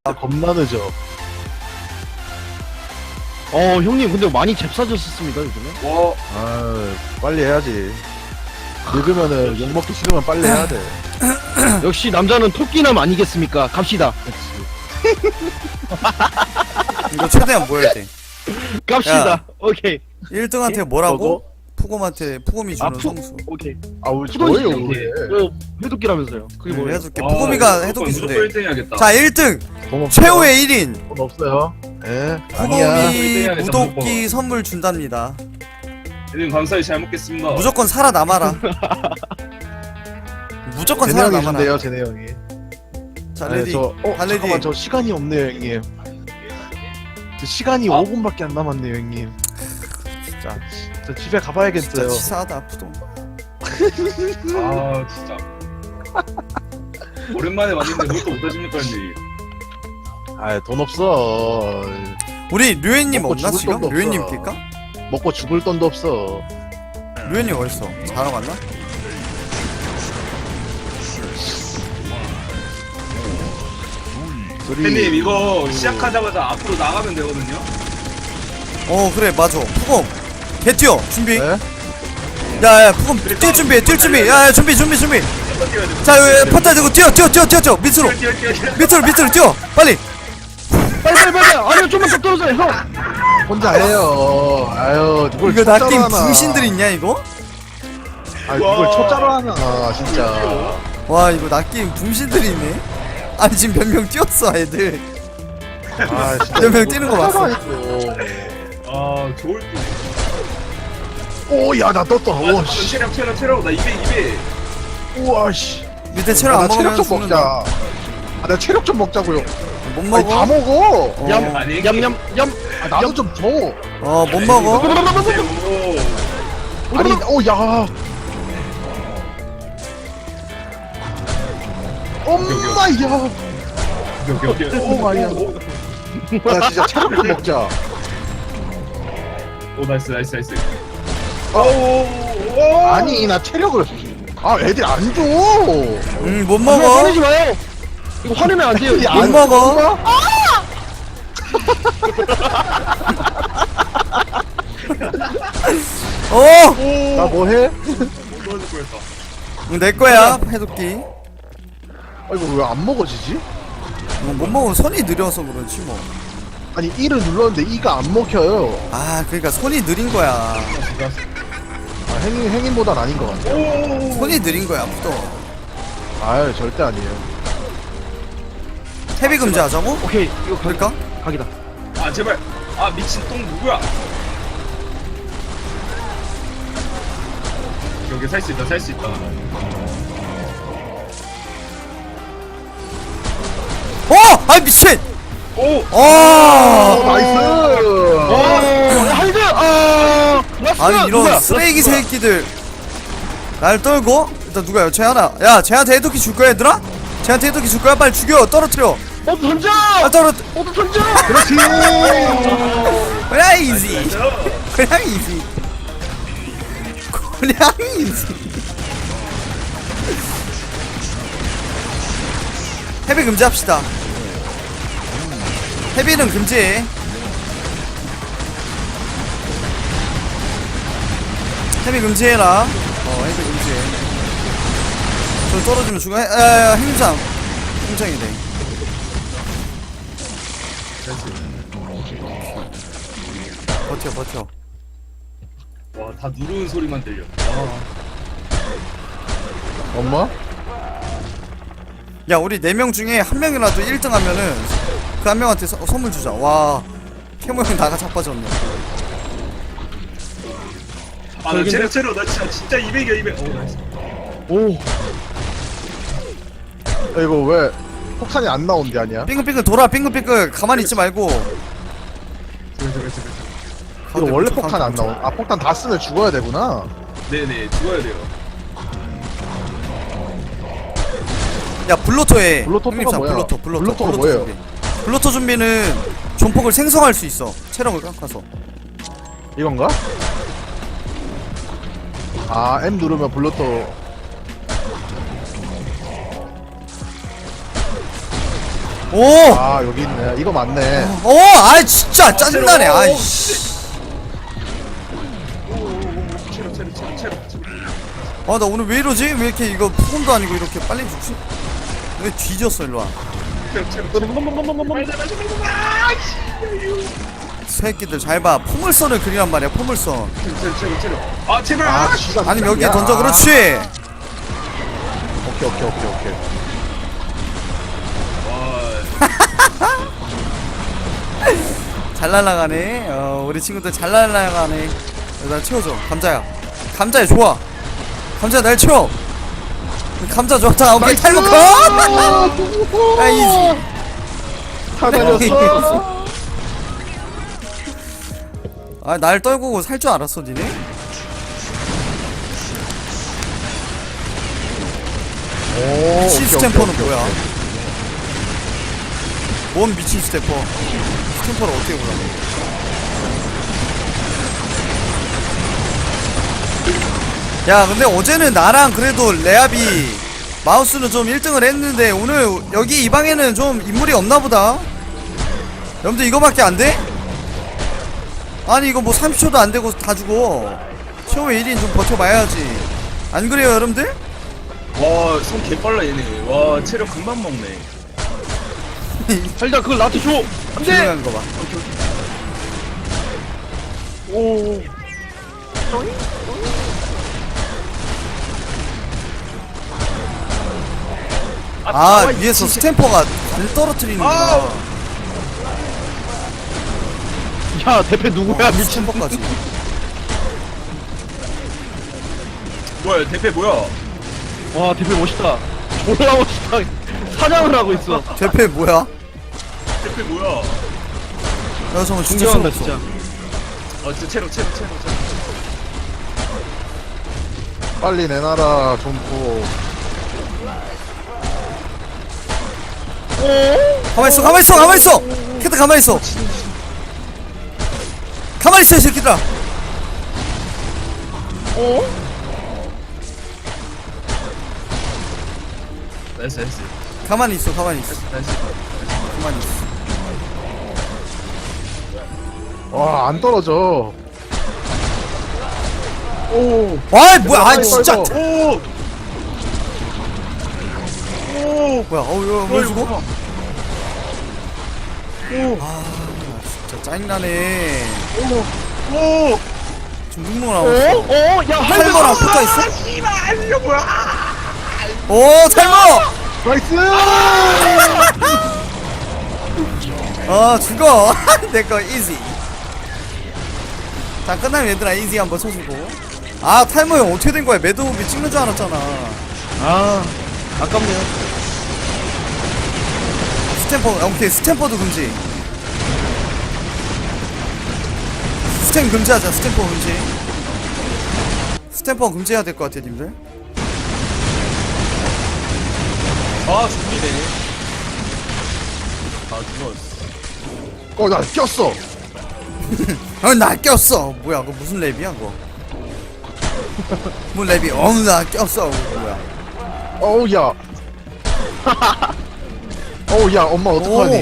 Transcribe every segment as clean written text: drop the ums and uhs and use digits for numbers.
아 겁나 늦어. 형님 근데 많이 잽싸졌었습니다 요즘에. 와, 아 빨리 해야지. 늙으면은 욕 먹기 싫으면 빨리 해야 돼. 역시 남자는 토끼남 아니겠습니까? 갑시다. 그렇지. 이거 최대한 모여야 돼. 갑시다. 야. 오케이. 1등한테 뭐라고? 뭐고? 푸곰한테 푸곰이 주는 푸- 성수. 오케이. 아왜 푸던지 저예요 형님. 왜? 해독기라면서요. 그게 뭐예요? 해줄게. 푸곰이가 해독기 무조건 준대. 1등 해야겠다. 자 1등 돈 없어요? 최후의 1인 돈 없어요? 예? 아니야. 푸곰이 아니야. 무독기 선물 준답니다. 1등 감사히 잘 먹겠습니다. 무조건 살아남아라. 무조건 제네 형이 살아남아라. 준대요 제네 형이. 자 네, 레디. 달레디. 잠깐만 저 시간이 없네요 형님. 저 시간이 5분밖에 안 남았네요 형님. 진짜 저 집에 진짜 가봐야겠어요. 치사하다 푸동. 아, 진짜. 오랜만에 왔는데 그것도 못하십니까, 형님? 아돈 없어. 우리 류엔님 먹고 없나 죽을 지금? 돈도 류엔님 없어. 낄까? 먹고 죽을 돈도 없어. 류엔님 어딨어? 자러 갔나? 형님, 이거 시작하자마자 앞으로 나가면 되거든요? 그래 맞아. 푸곰 개 뛰어 준비. 네? 야야 푸곰 뛸 준비 뛸 준비. 야야 준비. 자 여기 퍼타 들고 뛰어 밑으로 뛰어 빨리. 빨리. 아니 좀만 더 떨어져요 형. 혼자 해요. 아유 누굴 이거 초짜로 낚인 하나. 분신들 있냐 이거? 아 누굴 초짜로 하나 진짜. 와 이거 낚인 분신들이 있네. 아니 지금 몇 명 뛰었어 애들. 아 진짜. 몇명 뛰는 거 봤어. 아, 좋을 때. 오야 나 떴다. 아, 오 씨. 체력. 나 200. 우와 씨. 밑에 체력 안 나 체력 먹으면 좀 먹자. 죽는다. 아, 나 체력 좀 먹자고요. 못 아니, 다 먹어? 먹어. 얌 아니, 얌얌얌. 아, 나도 좀 줘. 못 먹어? 오. 아니, 야. 엄마야. 오, 마이야. 나 진짜 체력 좀 먹자. 오, 나이스. 아니, 나 체력을. 아, 애들 안 줘. 못 형 먹어? 화내지 마요. 이거 화내면 안 돼요. 야, 못 안 먹어? 나 뭐 해? 내 거야 해독기. 아, 이거 왜 안 먹어지지? 못 먹으면 손이 느려서 그렇지 뭐. 아니, E를 눌렀는데 E가 안 먹혀요. 아 그러니까 손이 느린 거야. 아, 행인보단 아닌 것 같아. 손이 느린 거야 푸동. 아유, 절대 아니에요. 헤비 금지하자고? 오케이 이거 그럴까? 각이다. 아, 제발. 아, 미친 똥 누구야? 여기 살 수 있다. 아 미친! 오! 나이스! 하이드. 라스트. 아니 이런 누구야? 쓰레기 새끼들 날 떨고 일단 누가요? 쟤하나. 야 쟤한테 해독기 줄 거야 얘들아? 쟤한테 해독기 줄 거야? 빨리 죽여 떨어뜨려. 모두 던져. 떨어. 모두 던져. 그렇지! 그냥 이지. 그냥 이지. 그냥 이지. 헤비 금지합시다. 헤비는 금지해. 헤비 금지해라. 헤비 금지해. 저 떨어지면 죽어. 행상. 행상이 돼. 버텨. 와, 다 누르는 소리만 들려. 엄마? 야 우리 4명 중에 한 명이라도 1등 하면은 그 한 명한테 선물 주자. 와 캐모 형 나가 자빠졌네. 아, 나 체력. 나 진짜 200이야, 200. 오, 나이스. 오. 야, 이거 왜 폭탄이 안 나온대 아니야? 빙글빙글 돌아. 빙글빙글 가만히 있지 말고. 이거 원래 폭탄 안 나온. 아 폭탄 다 쓰면 죽어야 되구나. 네네, 죽어야 돼요. 야 블로터 해. 블로터가 형님상 뭐야? 블로터가 뭐예요? 준비. 블로터 준비는 존폭을 생성할 수 있어. 체력을 깎아서. 이건가? 아 M 누르면 블루터. 오! 아 여기 있네. 이거 맞네. 아이 진짜 짜증나네. 아이씨. 나 오늘 왜 이러지? 왜 이렇게 이거 푸금도 아니고 이렇게 빨리 죽지? 왜 뒤졌어 일로와. 새끼들 잘봐. 포물선을 그리란 말이야. 포물선. 아 제발. 아 시간. 아니면 여기에 야. 던져. 그렇지. 오케이. 잘 날아가네. 우리 친구들 잘 날아가네. 날 채워줘. 감자야. 감자야 좋아. 감자 날 채워. 감자 좋다. 오케이 탈모 컷. 나이스. 다 달렸어. 날 떨구고 살 줄 알았어 니네? 오. 미친 스탬퍼는 뭐야? 뭔 미친 스탬퍼? 스탬퍼를 어떻게 몰라? 야 근데 어제는 나랑 그래도 레아비 마우스는 좀 1등을 했는데 오늘 여기 이 방에는 좀 인물이 없나보다. 여러분들 이거밖에 안 돼? 아니 이거 뭐 30초도 안 되고 다 죽어. 처음에 1인 좀 버텨봐야지. 안 그래요 여러분들? 와손 개빨라 얘네. 와 체력 금방 먹네. 살짝 그걸 나한테 줘. 안돼. 조용한 거 봐. 오. 위에서 스탬퍼가 안 떨어뜨리는구나. 야 대패 누구야 미친. 스탬퍼까지. 뭐야 대패 뭐야? 와 대패 멋있다. 졸라 멋있다. 사냥을 하고 있어. 대패 뭐야? 대패 뭐야? 야 잠깐만 진짜 존경한다 소름 진짜. 진짜 체력. 빨리 내놔라 점프. 가만있어 캐트 가만있어 가만있어 이 새끼들아. 나이스. 가만히 있어 나이스. 가만히 있어. 와 안 떨어져. 오. 뭐야 진짜. 떨고. 뭐야 왜 죽어? 진짜 짜증나네. 지금 눈물 나왔어. 야 탈모랑 붙어있어? 씨발 이거 뭐야? 오 탈모! 나이스. 죽어. 내거 이지. 자 끝나면 얘들아 이지 한번 쳐주고. 탈모 형 어떻게 된 거야? 매드무비 찍는 줄 알았잖아. 아 아깝네요. 스탬퍼 오케이 스탬퍼도 금지. 스탬 금지하자. 스탬퍼 금지. 스탬퍼 금지해야 될 것 같아 님들. 죽이네. 죽었어. 나 꼈어. 나 꼈어. 뭐야 그거 무슨 랩이야 그거? 뭐 랩이? 나 꼈어. 뭐야? 어우 야. 어우 야 엄마 어떡하니?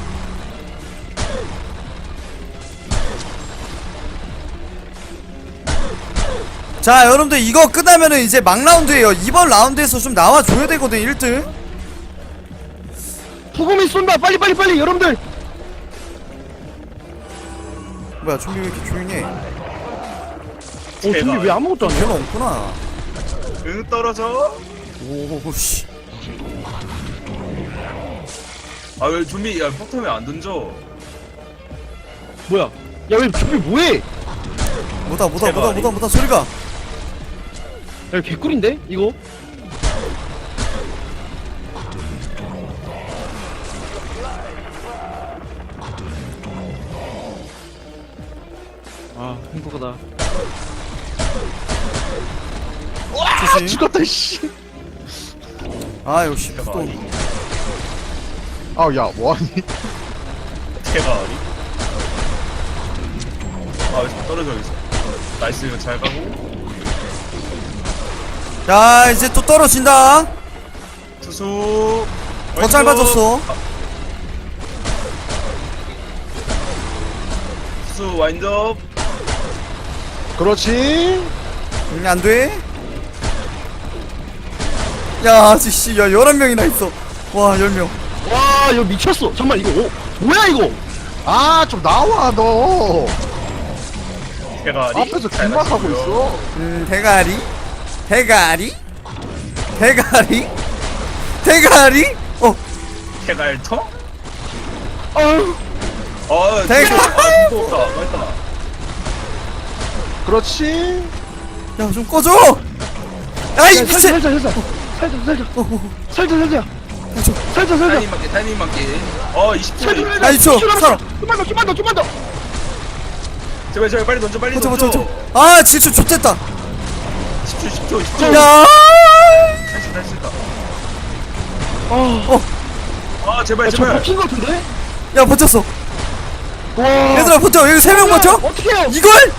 자 여러분들 이거 끝나면은 이제 막 라운드에요. 이번 라운드에서 좀 나와줘야 되거든 1등. 푸금이 쏜다. 빨리 여러분들. 뭐야 준비 왜 이렇게 조용해? 준비 왜 아무것도 안 해? 별로 없구나. 응 떨어져. 오씨. 왜 좀비 야 폭탄 왜 안 던져? 뭐야? 야 왜 준비 뭐해? 뭐다 소리가. 야 개꿀인데 이거? 행복하다. 조심. 죽었다 씨. 역시 또. 아우 야 뭐하니? 대박이. 왜 떨어져 있어? 나이스 이거 잘 가고. 자 이제 또 떨어진다. 투수. 더 짧아졌어. 마우스 와인드업. 그렇지. 안돼. 야 아저씨 야 11명이나 있어. 와 10명. 와 이거 미쳤어. 잠깐만 이거 뭐야 이거? 아 좀 나와 너. 대가리. 앞에서 긴막하고 있어. 대가리 대가리 대가리 대가리 대갈통? 어. 대가- 아 무겁다. 맛있다. 그렇지. 야 좀 꺼줘. 아이 미친. 살짝 타이밍 맞게 타이밍 맞게. 20초. 아이 저 살아. 좀만 더. 제발 빨리 던져 빨리 버텨 던져. 아 질주 좋댔다. 10초. 야 할수 있다. 아, 제발 저 제발. 버틴 거 같은데? 야 버텼어. 와. 얘들아 버텨. 여기 3명 버텨. 어떻게 해요? 이걸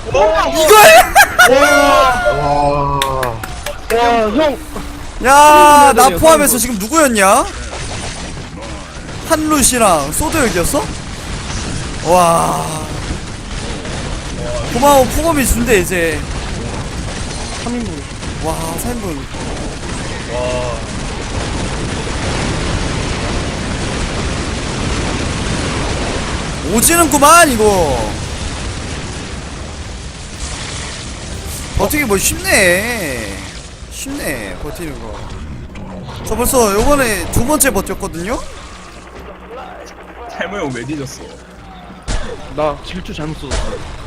와. 와, 형. 야, 나 되네요, 포함해서 지금 누구였냐? 한루시랑 소드역이었어? 와. 고마워, 푸검이 준대, 이제. 3인분. 와, 3인분. 와. 오지는구만, 이거. 버티기 뭐 쉽네. 쉽네, 버티는 거. 저 벌써 요번에 2번째 버텼거든요? 탈모 형왜 뒤졌어? 나 질주 잘못 썼어.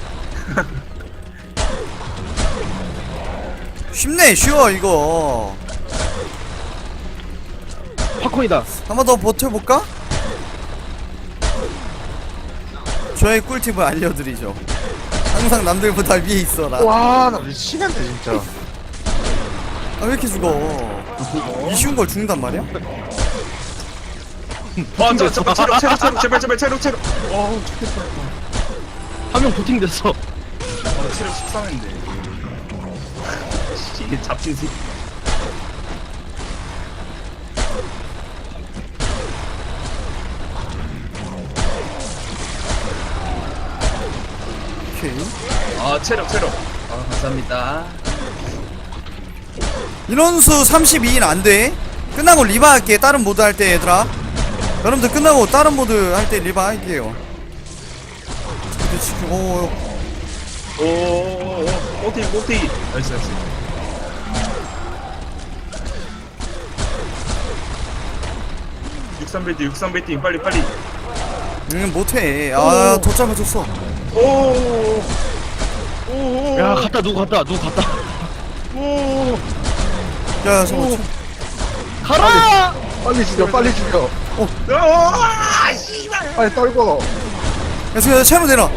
쉽네, 쉬워, 이거. 팝콘이다. 한 번 더 버텨볼까? 저의 꿀팁을 알려드리죠. 항상 남들보다 위에 있어라. 와, 나 미치겠네 진짜. 아, 왜 이렇게 죽어? 이 쉬운 걸 죽는단 말이야? 잠깐 체력 제발. 한 명 부팅 됐어. 체력 13인데. 이게 잡힌 새. 오케이. 체력. 감사합니다. 인원수 32인 안 돼. 끝나고 리바 할게. 다른 모드 할 때 얘들아. 여러분들 끝나고 다른 모드 할 때 리바 할게요. 지금 오. 꼬티. 나이스. 63배팅 빨리. 못해. 아, 더 짧아졌어. 오. 야, 누구 갔다. 야, 잠깐만. 가라! 빨리 죽여. 씨발. 빨리 떨궈. 야, 지금 채무 내놔.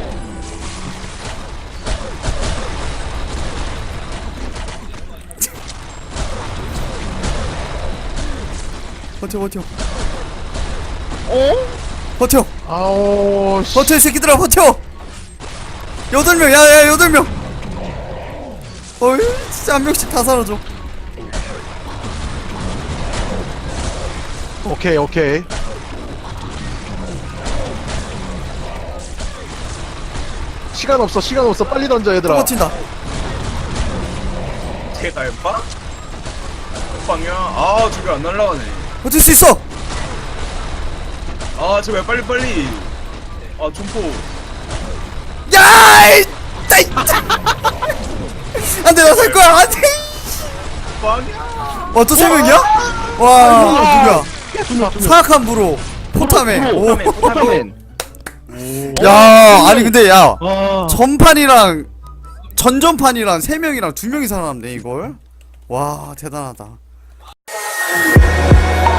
버텨. 버텨. 아오. 씨. 버텨, 이 새끼들아, 버텨! 8명, 야, 8명! 어이, 진짜 한 명씩 다 사라져. 오케이. 시간 없어. 빨리 던져 얘들아. 버틴다. 대갈빵? 빵이야. 저게 안 날라가네. 버틸 수 있어! 제발 빨리. 점포. 야! 안 돼, 나 살 거야! 안 돼! 빵이야. 또 3명이야? 와, 누구야? 사악한 부로. 포타맨. 오. 포타맨. 야, 아니, 근데 야. 와. 전판이랑 전전판이랑 3명이랑 2명이 살아남네 이걸. 와 대단하다.